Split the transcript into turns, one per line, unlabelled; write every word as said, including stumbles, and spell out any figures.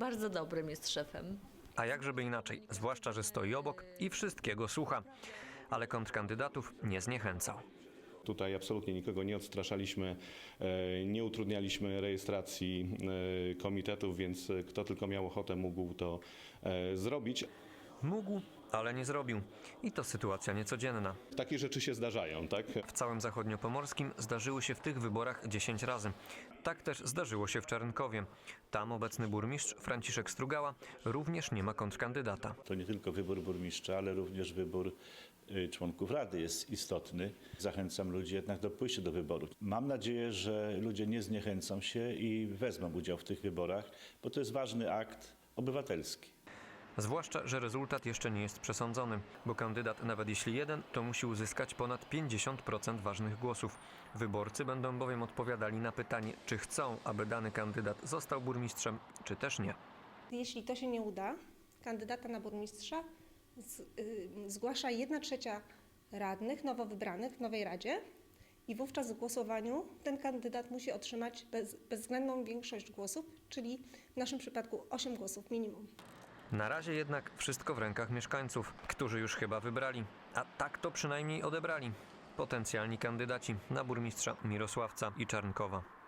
bardzo dobrym jest szefem.
A jak żeby inaczej, zwłaszcza, że stoi obok i wszystkiego słucha. Ale kontrkandydatów nie zniechęcał.
Tutaj absolutnie nikogo nie odstraszaliśmy, e, nie utrudnialiśmy rejestracji e, komitetów, więc kto tylko miał ochotę, mógł to e, zrobić.
Mógł, ale nie zrobił. I to sytuacja niecodzienna.
Takie rzeczy się zdarzają, tak?
W całym zachodniopomorskim zdarzyły się w tych wyborach dziesięć razy. Tak też zdarzyło się w Czarnkowie. Tam obecny burmistrz Franciszek Strugała również nie ma kontrkandydata.
To nie tylko wybór burmistrza, ale również wybór y, członków rady jest istotny. Zachęcam ludzi jednak do pójścia do wyborów. Mam nadzieję, że ludzie nie zniechęcą się i wezmą udział w tych wyborach, bo to jest ważny akt obywatelski.
Zwłaszcza, że rezultat jeszcze nie jest przesądzony, bo kandydat, nawet jeśli jeden, to musi uzyskać ponad pięćdziesiąt procent ważnych głosów. Wyborcy będą bowiem odpowiadali na pytanie, czy chcą, aby dany kandydat został burmistrzem, czy też nie.
Jeśli to się nie uda, kandydata na burmistrza z, y, zgłasza jedna trzecia radnych nowo wybranych w nowej radzie i wówczas w głosowaniu ten kandydat musi otrzymać bez, bezwzględną większość głosów, czyli w naszym przypadku osiem głosów minimum.
Na razie jednak wszystko w rękach mieszkańców, którzy już chyba wybrali, a tak to przynajmniej odebrali potencjalni kandydaci na burmistrza Mirosławca i Czarnkowa.